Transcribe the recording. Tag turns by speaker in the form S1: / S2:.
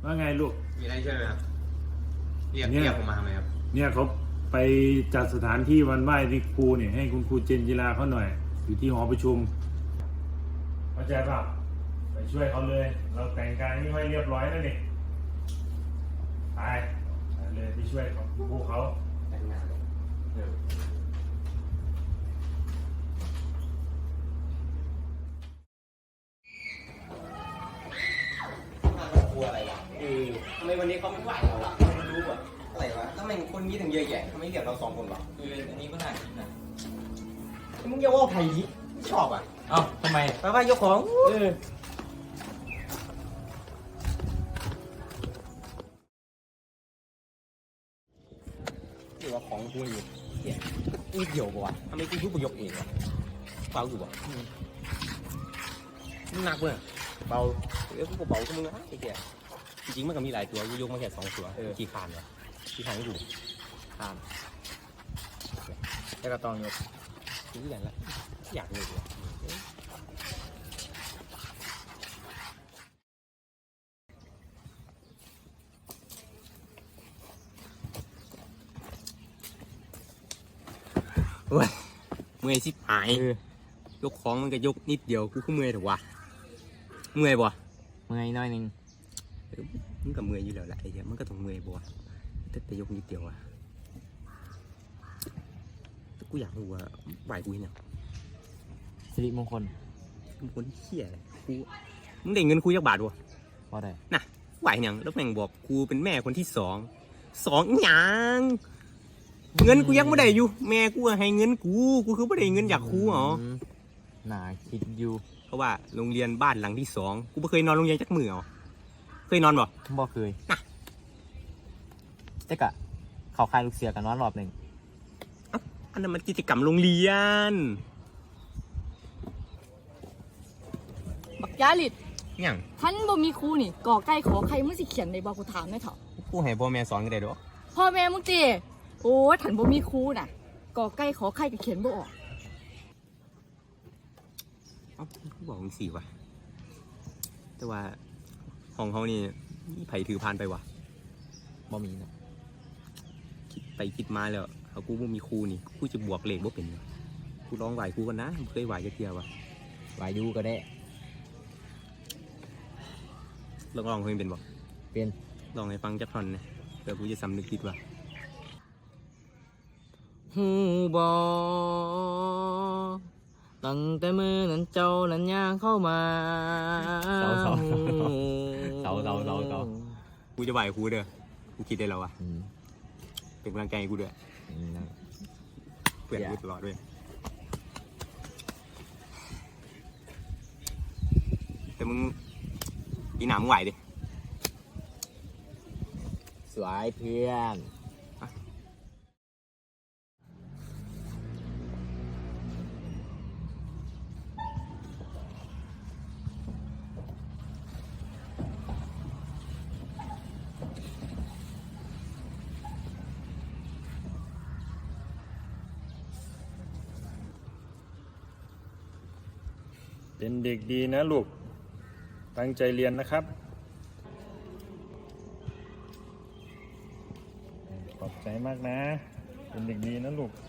S1: ว่าไงลูก
S2: มีอะไรช่วยไหมครับเรียกผมมาทำไมครับ
S1: เนี่ยเขาไปจัดสถานที่วันไหว้ที่ครูเนี่ยให้คุณครูเจนจิราเขาหน่อยอยู่ที่หอประชุมเข้าใจป่ะไปช่วยเขาเลยเราแต่งกายนี่ไว้เรียบร้อยแล้วนี่ไปเลยไปช่วยของครูเขา
S2: แต่งงานเลยกลัวอะไรวะทำไมวันนี้เขาไม่ไหวเราล่ะไม่รู้อ่ะอะไรวะทำไมคนนี้ถึงเยอะแยะทำไมเรียกเรา2 คนวะอันนี้ก็น่าคิดนะมึงอย่าว่าไผ่ดิไม่ชอบอ่ะ
S3: เอ้าทำไม
S2: ไปว่ายกของหรือว่าของกูอยู่เหี้ยนี่เดี่ยวป่ะวะทำไมกูพูดประโยคเองวะเบาอยู่วะมันหนักเลยเบากูเบาก็มึงนะไอ้เหี้ยจริงๆมันก็มีหลายตัวกูยกมาแค่2 ตัวกี่คานวะกี่คานให้ดูคาน
S3: แล้วก็ต้องยก
S2: ซื้ออย่างละอยากเลยเว้ยเมื่อยชิบหายยกของมันก็ยกนิดเดียวกูก็เมื่อยแต่ว่าเมื่อยบ่
S3: เมื่อยน้อยนึง
S2: มันก็เมื่อยอยู่แล้วแหละไอ้เหี้ยมันก็ต้องเมื่อยบ่แต่ยกนิดเดียวอะกูอยากรู้ว่าไหวกูเนี่ย
S3: สิริมงคล
S2: มึงคนเหี้ยอะไรกูมึงได้เงินกูจักบาทบ่
S3: ว่าได้
S2: น่ะไหวยังแล้วแม่งบอกกูเป็นแม่คนที่สองหยังเงินกูยังไม่ได้อยู่แม่กูให้เงินกูคือไม่ได้เงินจากครูเหรอ
S3: น่าคิดอยู่
S2: เพราะว่าโรงเรียนบ้านหลังที่2กูไม่เคยนอนโรงเรียนจักมือเหรอเคยนอนบ่
S3: เคยแต่กะเขาคายลูกเสือกันนอนรอบหนึ่ง
S2: อันนั้นมันกิจกรรมโรงเรียน
S4: บักยาลิด
S2: ยัง
S4: ท่านบ่มีครูนี่ก่อไก่ขอใครมึงสิเขียนในบอกกูถามได้เถอะ
S2: กูให้พ่อแม่สอนกันได้ดอก
S4: พ่อแม่มึงตีโอ้ท่านบ่มีครูน่ะก่อไก่ขอใครก็เขียนบ่ออก
S2: กูบอกมึงสิวะแต่ว่าของเขานี่มีไผถือพานไปวะ
S3: บ่มีนะ
S2: คิดไปคิดมาแล้วเขากูบ่มีครูนี่กูจะบวกเลขบ่เป็นกูลองไหวกูกันนะเคยไหวจะเทียววะ
S3: ไหวดูก็ได้
S2: ลองเพลงเป็นบ่
S3: เป็น
S2: ลองให้ฟังจักท่อนนะเดี๋ยวกูจะสำนึกผิดว่า
S3: ฮูบอตั้งแต่มือนั้นเจ้านั้นย่างเข้ามาเสา
S2: กูจะไหวกูเด้อกูคิดได้แล้ววะเป็นกำลังใจให้กูด้วยเปลี่ยนกูตลอดด้วยแต่มึงปีหน้ามึงไหวดิ
S3: สวยเพื่อน
S1: เป็นเด็กดีนะลูกตั้งใจเรียนนะครับขอบใจมากนะเป็นเด็กดีนะลูก